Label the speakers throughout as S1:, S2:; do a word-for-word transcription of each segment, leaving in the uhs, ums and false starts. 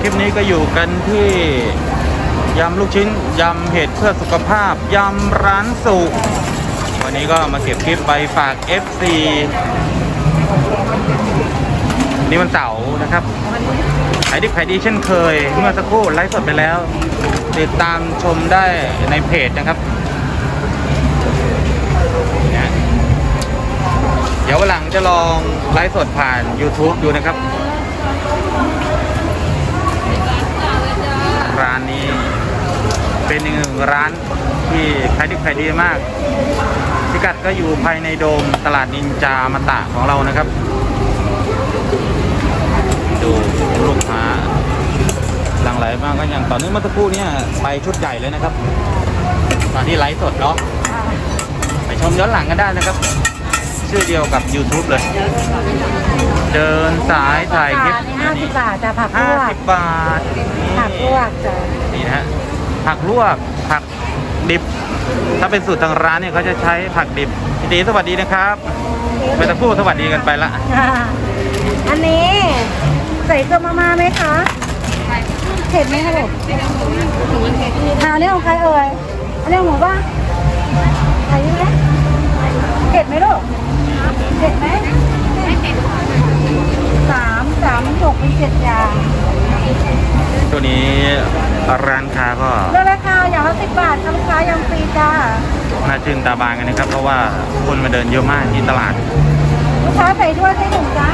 S1: ลิปนี้ก็อยู่กันที่ยำลูกชิ้นยำเห็ดเพื่อสุขภาพยำร้านสุวันนี้ก็มาเก็บคลิปไปฝาก เอฟ ซี นี่มันเสาร์นะครับขายดิบขายดีเช่นเคยเมื่อสักครู่ไลฟ์สดไปแล้วติดตามชมได้ในเพจนะครับเดี๋ยววันหลังจะลองไลฟ์สดผ่าน YouTube ดูนะครับร้านนี้เป็นอีกหนึ่งร้านที่ขายดิบขายดีมากพิกัดก็อยู่ภายในโดมตลาดนินจามาตะของเรานะครับดูลูกค้าหลั่งไหลมากก็อย่างตอนนี้เมื่อสักครู่นี้ไปชุดใหญ่เลยนะครับตอนที่ไลฟ์สดเนาะไปชมย้อนหลังกันได้นะครับชื่อเดียวกับ YouTube เลยเดินสายถ่ายคลิป
S2: ห้าสิบบาทจะผักลวก
S1: ห้าสิบบาท
S2: ผักลวกจ้ะ
S1: นี่นะฮะผักลวกผักดิบถ้าเป็นสูตรทางร้านเนี่ยเขาจะใช้ผักดิบพี่ตีสวัสดีนะครับไปตะพูดสวัสดีกันไปละ
S2: อันนี้ใส่เกลือมาม่าไหมคะเผ็ดไหมคะลูกทานนี่ของใครเอ่ยอันนี้ของหมูป่ะใส่ไหมเผ็ดไหมลูกเผ็ดไหมไม่เผ็ดสามสามหกเป็นเจ็ดอย่าง
S1: ตัวนี้ร้านค้าก็
S2: เลือกราคาอย่างละสิบบาทค่ะลูกค้ายังฟรีจ้า
S1: น่าชื่นตาบานกันนะครับเพราะว่าคนมาเดินเยอะมากที่ตลาด
S2: ลูกค้าใส่ด้วยใส่ถุงจ้า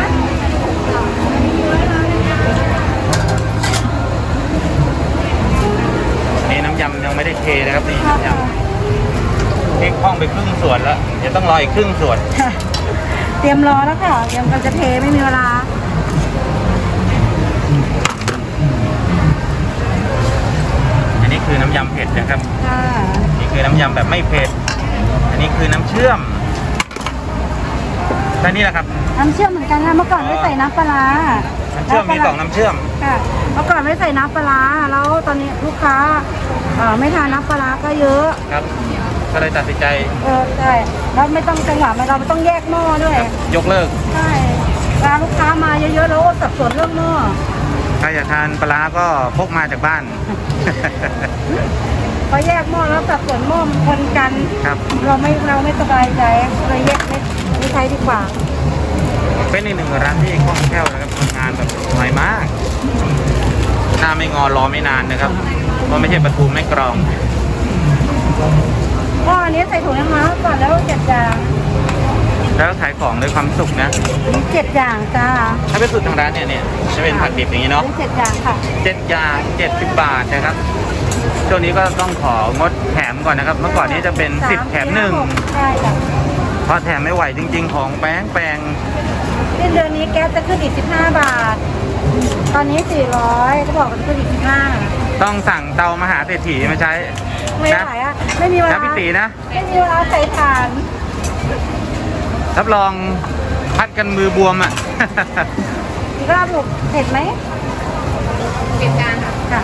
S1: นี่น้ำยำยังไม่ได้เทนะครับนี่น้ำยำเทคห้องไปครึ่งส่วนแล้วจะต้องรออีกครึ่งส่วน
S2: เตรียมรอแล้วค่ะเตรียมกันจะเทไม่มีเวลา
S1: อันนี้คือน้ำยำเผ็ดนะครับนี่คือน้ำยำแบบไม่เผ็ดอันนี้คือน้ำเชื่อมและนี่แหละครับ
S2: น้ำเชื่อมเหมือนกันค่ะเมื่อก่อนไม่ใส่น้ำปลา
S1: น้ำเชื่อมมีสองน้ำเชื่อม
S2: ค่ะเมื่อก่อนไม่ใส่น้ำปลาแล้วตอนนี้ลูกค้าไม่ทานน้ำปลาก็เยอะ
S1: ครับก็เลยตัดสินใจ
S2: เออใช่แล้วไม่ต้องจังหวะเราไม่ต้องแยกหม้อด้วย
S1: ยกเลิก
S2: ใช่เวลาลูกค้ามาเยอะๆแล้วสับสนเรื่องหม้อ
S1: ใครอยากทานปลาก็พกมาจากบ้าน
S2: พอแยกหม้อแล้วสับสนหม้อมันคนกัน
S1: ครับ
S2: เราไม่เราไม่สบายใจเลยแยกไม่ไม่ใช้ดีกว่า
S1: เป็นอีกหนึ่งร้านที่คล่องแคล่วนะครับทำงานแบบสวยมากหน้าไม่งอรอไม่นานนะครับเพราะไม่ใช่ประตูไม่กรอง
S2: ก็อันนี้ใส่ถุงยังมาก่อนแล้วเจ็ดอย่าง
S1: แล้วขายของด้วยความสุขนะ
S2: เจ็ดอย่างจ้า
S1: ถ้าเป็นสูตรทางร้านเนี่ยเนี่ยจะเป็นผักดิบอย่างนี้เนาะ
S2: เจ็ดอย่างค่ะ
S1: เจ็ดอย่างเจ็ดสิบบาทนะครับช่วงนี้ก็ต้องของดแถมก่อนนะครับเมื่อก่อนนี้จะเป็นสิบแถมหนึ่ง
S2: ใช่จ้ะ
S1: เพราะแถมไม่ไหวจริงๆของแป้งแปง
S2: สิ้นเดือนนี้แก๊สจะขึ้นอีกสิบห้าบาทตอนนี้สี่ร้อยเขาบอกว่าจะขึ้นอีกสิบห้า
S1: ต้องสั่งเตามหาเศรษฐีมาใช้
S2: ไม่ไหวอ่ะไม่มีเวลา
S1: พี่ตีนะ
S2: ไม่มีเวลาใส่ถ่าน
S1: รับรองพัดกันมือบวมอ่ะ
S2: อีกรอบลูกเผ็ดไหมเผ็ดจานค่ะ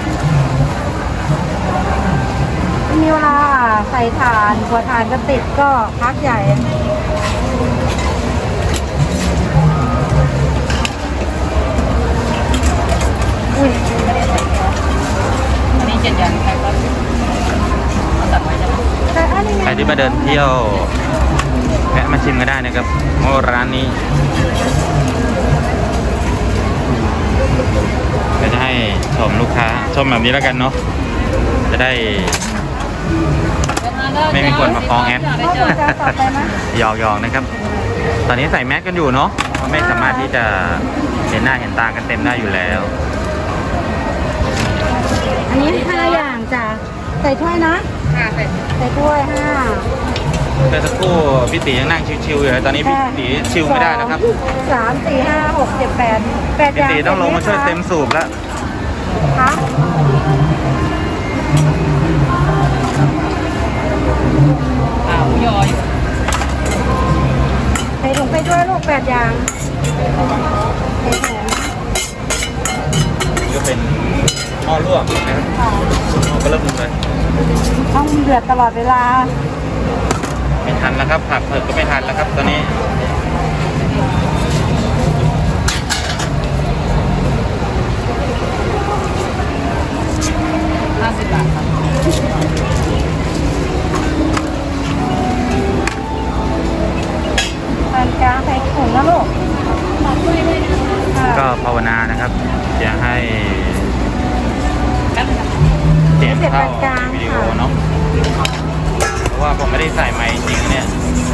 S2: ไม่มีเวลาใส่ถ่านกว่าถ่านจะติดก็พักใหญ่อุ้ยอันนี้เจ็ดอย่างใครก็ตัดไว้ใช่ไหม
S1: ใครที่มาเดินเที่ยวแวะมาชิมก็ได้นะครับโอ้ร้านนี้ก็จะให้ชมลูกค้าชมแบบนี้แล้วกันเนาะจะได้ไม่มีคนมาฟ้องแอดหยอกๆนะครับตอนนี้ใส่แมสกันอยู่เนาะไม่สามารถที่จะเห็นหน้าเห็นตากันเต็มได้อยู่แล้ว
S2: อันนี้ห้าอย่างจ้ะใส่ถ้วยนะค่ะใส่ใส่ถ้วยห้า
S1: แต่สักครู่พี่ตียังนั่งชิวๆอยู่ตอนนี้พี่ตีชิวไม่ได้นะครับ
S2: สามสี่ห้าหกเจ็ดแปดแปดอย่าง
S1: พี่ตีต้องลงมาช่วยเต็มสูบแล้ว
S2: ค่ะอ้าวยอยใส่ถุงไปด้วยลูกแปดอย่างใส่ถุง
S1: ก็เป็นหม้อลวกนะครับหม้อก็เริ่มเลย
S2: ต้องเดือดตลอดเวลา
S1: ไม่ทันแล้วครับผักเผือกก็ไม่ทันแล้วครับตอนนี้
S3: ห้าสิบบาทครับ
S2: ปานกลางใส่ถุงนะลูกค่ะ
S1: ก็ภาวนานะครับอย่าให้เสียงเข้าในวิดีโอเนาะเพราะว่าผมไม่ได้ใส่ไมค์จริงๆเนี่ย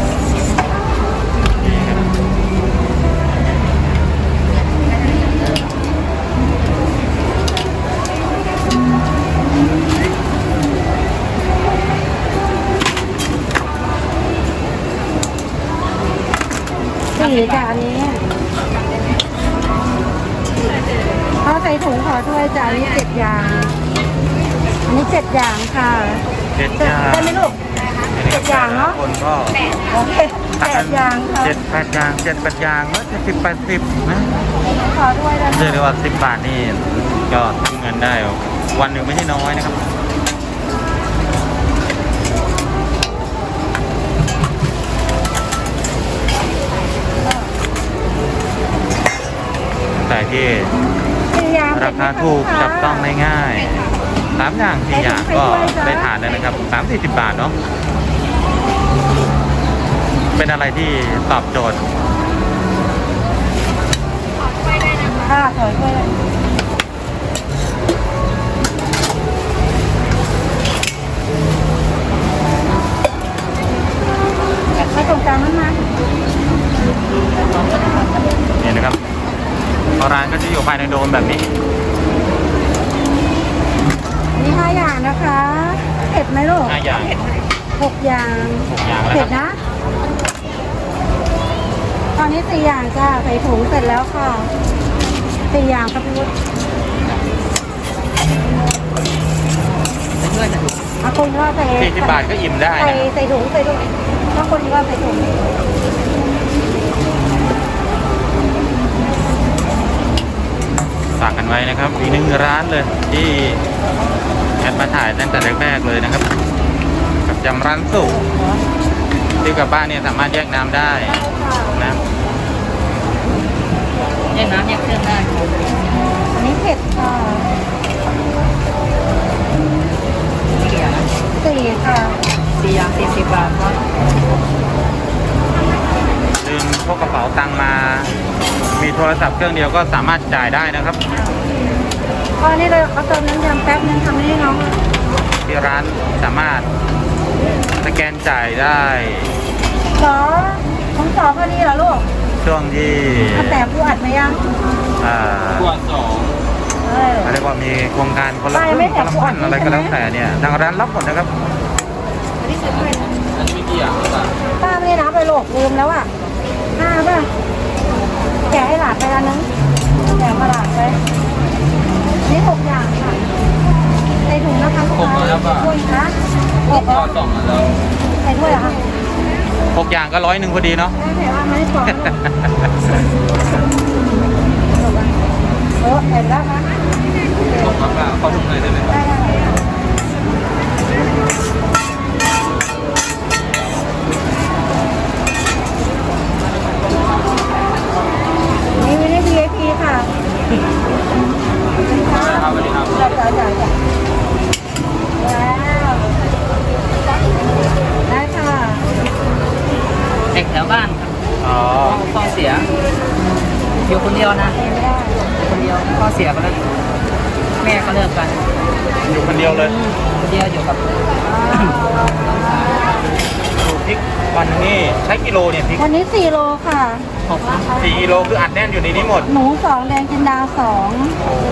S1: นี่ครับ
S2: สี่จ้ะอันนี้เขาใส่ถุงขอถ้วยจ้ะอันนี้เจ็ดอย่างอันนี้เจ็ดอย่างค่ะ
S1: เจ็ดอย่าง
S2: ได้ไหมลูก เจ็ดอย่างเนาะ
S1: คนก็
S2: โอเคแปดอย่างค่ะ
S1: เจ็ดแปดอย่างเจ็ดแปดอย่างก็เจ็ดสิบแปดสิบนะ
S2: ขอถ้วยได้ไหม
S1: เรียกได้ว่าสิบบาทนี่ก็ทำเงินได้วันหนึ่งไม่ใช่น้อยนะครับแต่ที่
S2: สี่อย่าง
S1: ราคาถูกจับต้องได้ง่ายสามอย่างสี่อย่างก็ได้ทานแล้วนะครับสามสี่สิบบาทเนาะเป็นอะไรที่ตอบโจทย์
S2: ค่ะขอถ้วยมาตรงกลางนั้นมา
S1: นี่นะครับร้านก็จะอยู่ภายในโดมแบบนี้
S2: นี่ห้าอย่างนะคะเผ็ดไหมลูก
S1: ห้าอย่าง
S2: หกอย่าง
S1: หกอย่างแล้ว
S2: เผ็
S1: ค
S2: ด
S1: รับ
S2: นะ ตอนนี้สี่อย่างจ้าใส่ถุงเสร็จแล้วค่ะสี่อย่างครับพี่วุฒิ
S3: ไปช่วยกันดู
S2: เอาคนก็ใส่
S1: สี่สิบบาทก็อิ่มได้
S2: ใส่
S1: นะครับ
S2: ใส่ถุงใส่ถุงถ้าคนก็ใส่ถุง
S1: ฝากกันไว้นะครับอีกหนึ่งร้านเลยที่แอดมาถ่ายตั้งแต่แรกๆเลยนะครับ กับยำร้านสุกที่กลับบ้านเนี่ยสามารถแยกน้ำได้นะ
S3: แยกน้ำแยกเครื่องได้
S2: อันนี้เผ็ดค่ะ
S3: กี่อย่าง
S2: สี่ค่ะ
S3: สี่อย่างสี่สิบบาทครับ
S1: ลืมพกกระเป๋าตังค์มา มีโทรศัพท์เครื่องเดียวก็สามารถจ่ายได้นะครับ
S2: ก็นี่เลยเขาเติมน้ำยำแป๊บนึงทำให้น้อง
S1: ที่ร้านสามารถสแกนจ่ายได้
S2: สอของสอพอดีเหรอลูก
S1: ช่วงที่
S2: มาแต่ผู้อัดไหมยัง
S1: อ่า
S3: ตัวสอง
S2: เออ
S1: เรียกว่ามีโครงการคนละค
S2: ไม่
S1: รึ่ง
S2: ไม่
S1: คนละ
S2: แถม
S1: พันอะไรก็แล้ว
S2: ใช่ไหม
S1: แต่เนี่ยทางร้านรับหมดนะครับ
S2: อันนี้ซื้อไป
S3: อันนี้กี่อย่างครับ
S2: ป้าไม่ได้นับไปหรอกลืมแล้วอ่ะห้าป่ะแกะให้หลานไปแล้วนึงแกะมาหลานไปนี่หกอย่างค่ะใส่ถุงนะคะลูกค้าถ้วยนะหก
S3: ตัวสองแล้ว
S2: ใส่ถ้วยเหรอคะ
S1: หกอย่างก็ร้อยหนึ่งพอดีเนาะ
S2: ได้แต่ว่าไม่ได้ฟองนะเออเห็นแล้วนะ
S3: ผมครับเขาทุกเลยได้ไหม
S2: ได้ได้นี่ไม่ได้ วี ไอ พี ค่ะ
S3: ครับสวัสดีครับ
S2: จัดจัดจัดจัดว้าวได้ค่ะ
S3: เด็กแถวบ้านครับ
S1: อ๋อ
S3: พ่อเสียอยู่คนเดียวนะ
S2: ไม่ได้
S3: อยู่คนเดียวพ่อเสียไปแล้วแม่ก็เลิกกัน
S1: อยู่คนเดียวเลย
S3: คนเดียวอยู่กับ
S1: ดูพริกวันนี้ใช้กิโลเนี่ยพริก
S2: วันนี้สี่โลค่ะ
S3: หก
S1: สี่กิโลคืออัดแน่นอยู่ในนี้หมด
S2: หมูสองแดงจินดาสอง
S1: โอ้โห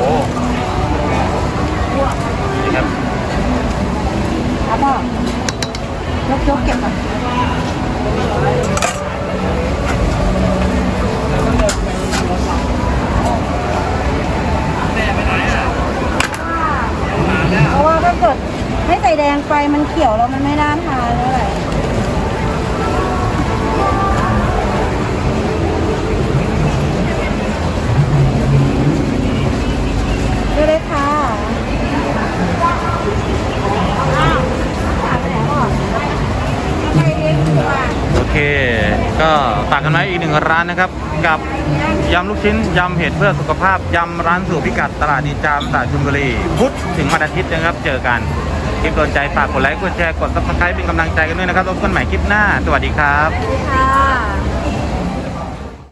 S1: นี่ครับ
S2: ครับพ่อยกยกเก็บก่อนเพราะว่าถ้าเกิดไม่ใส่แดงไปมันเขียวแล้วมันไม่น่าทานเลยดูเลยค่ะไปเองดีกว่า
S1: โอเค ก็ก็ฝากกันไว้อีกหนึ่งร้านนะครับ กับยำลูกชิ้นยำเห็ดเพื่อสุขภาพยำร้านสู่พิกัดตลาดนินจามตลาดชลบุรีพุธถึงวันอาทิตย์นะครับเจอกันคลิปโดนใจฝากกดไลค์กดแชร์กดซับสไครป์เป็นกำลังใจกันด้วยนะครับพบกันใหม่คลิปหน้าสวัสดีครับ
S2: ค่ะ